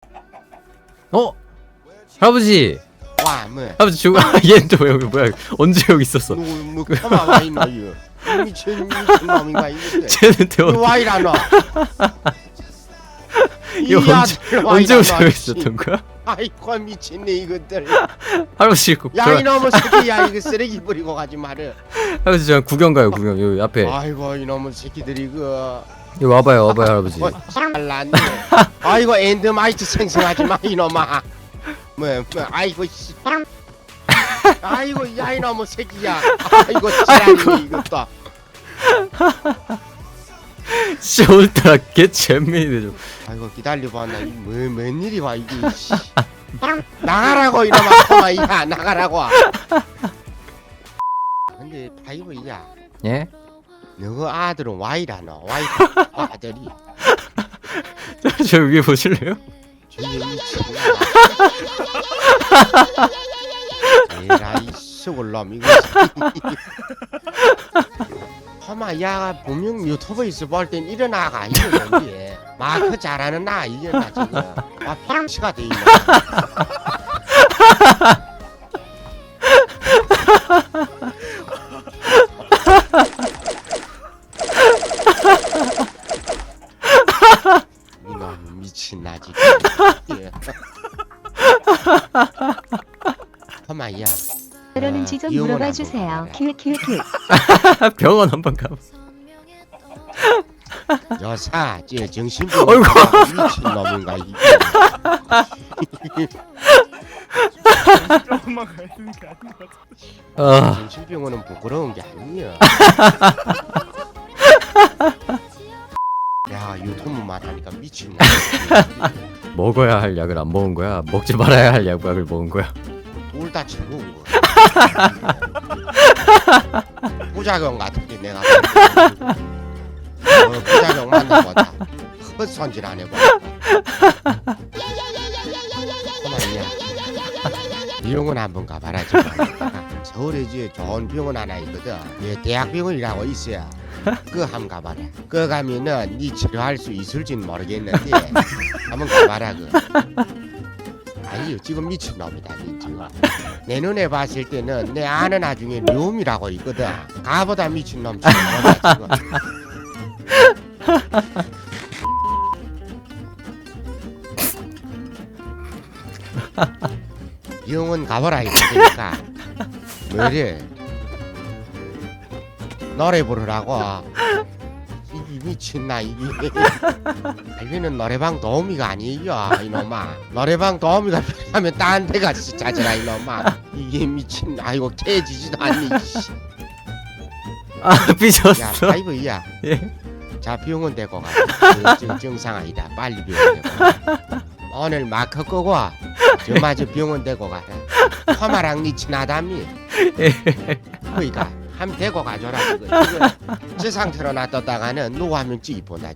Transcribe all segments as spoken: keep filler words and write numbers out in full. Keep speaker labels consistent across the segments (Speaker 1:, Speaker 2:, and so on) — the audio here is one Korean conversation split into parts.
Speaker 1: 어? 할아버지!
Speaker 2: 와, 뭐.
Speaker 1: 할아버지 죽어. 얘는 또 여기 뭐야? 언제 여기 있었어?
Speaker 2: 누구 뭐 가만 와 있노 이거. 미친 미친 놈인가 이거.
Speaker 1: 쟤는 또
Speaker 2: 이거 와 이라노.
Speaker 1: 이거 언제 언제부터 여기 있었던 거야?
Speaker 2: 아이고 미친네 이것들.
Speaker 1: 할아버지 그
Speaker 2: 야 이놈의 새끼야 이거 쓰레기 버리고 가지 말어.
Speaker 1: 할아버지 저 구경 가요 구경 여기 앞에.
Speaker 2: 아이고 이놈의 새끼들이 그.
Speaker 1: 여기 와봐요 와봐요 할아버지.
Speaker 2: 잘났네. 아이고 엔드마이트 생성하지 마 이놈아. 뭐, 뭐 아이고 씨. 아이고 야 이놈의 새끼야. 아이고 지랄이네 이것도.
Speaker 1: 진짜 오늘따라 개 재미있네 좀.
Speaker 2: 아이고 기다려봐 나뭐 뭔일이 와 이게 씨. 나가라고 이놈아 코마 야 나가라고. 근데 파이브야
Speaker 1: 예?
Speaker 2: 너그 아들은 와이라노 와이 아들이
Speaker 1: 저, 저 위에 보실래요?
Speaker 2: 저기 미친놈아. 에라이 쑥을 놈 이거. 코마 야 분명 유튜브에서 볼 땐 이런 아가 이거 뭔지 마크 잘하는 나 이게 나 지금 아 평시가 돼 있네. 이놈 미친 나 지금. 코마야
Speaker 3: 그러는지 좀
Speaker 2: 이용을
Speaker 3: 물어봐
Speaker 2: 안
Speaker 3: 주세요.
Speaker 2: 보고
Speaker 3: 킬킬킬.
Speaker 1: 병원 한번 가.
Speaker 2: 여사 저 정신병
Speaker 1: 어이구.
Speaker 2: 미친 놈인가 이게.
Speaker 4: 조금만 가야 되는 게 아닌 것 같아.
Speaker 1: 아,
Speaker 2: 정신병원은 부끄러운 게 아니야. 야 유튜브만 하니까 미친 놈.
Speaker 1: 먹어야 할 약을 안 먹은 거야? 먹지 말아야 할 약을 먹은 거야?
Speaker 2: 둘다 즐거운 거. 부작용 같은데 내가. 어, 부작용 만나보자. 헛손질 안 해봐. 그만이야. 병원 한번 가봐라 지금. 서울에 이제 좋은 병원 하나 있거든. 예, 대학병원이라고 있어요. 그거 한번 가봐라. 그거 가면은 네 치료할 수 있을진 모르겠는데 한번 가봐라 그. 아니요 지금 미친놈이다 니 지금. 내 눈에 봤을 때는 내 아는 나중에 류음이라고 있거든. 가보다 미친놈 지금. 병원 가보라 이거니까 뭐래 노래 부르라고. 이게 미친나 이게. 여기는 노래방 도우미가 아니에요 이놈아. 노래방 도우미가 필요하면 딴 데 가서 찾아라 이놈아. 이게 미친. 아이고 깨지지도 않니.
Speaker 1: 아
Speaker 2: 야
Speaker 1: 삐졌어.
Speaker 2: 파이브야
Speaker 1: 예?
Speaker 2: 자 병원 데리고 가. 지금 정상 아니다. 빨리 병원 데리고 가. 오늘 마크 끄고 저마저 병원 데리고 가라. 화마랑 니 친하다미. 그니까 한 데리고 가줘라. 그거. 이거 저 상태로 놔뒀다가는 누구 한 명 찌기 본다.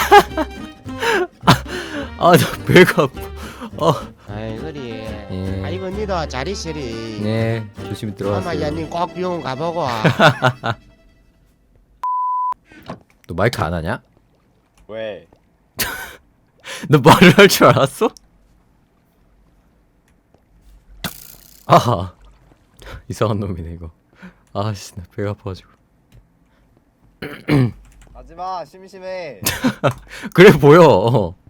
Speaker 1: 아 나 배가 아파. 어.
Speaker 2: 아이 그리.
Speaker 1: 예.
Speaker 2: 아이고 니도 잘 있으리.
Speaker 1: 네 조심히 들어가세요.
Speaker 2: 화마야 니 꼭 병원 가보고.
Speaker 1: 너 마이크 안 하냐?
Speaker 4: 왜?
Speaker 1: 너 말을 할 줄 알았어? 아하 이상한 놈이네 이거. 아씨 나 배가 아파가지고.
Speaker 4: 하지마 심심해.
Speaker 1: 그래 보여. 어.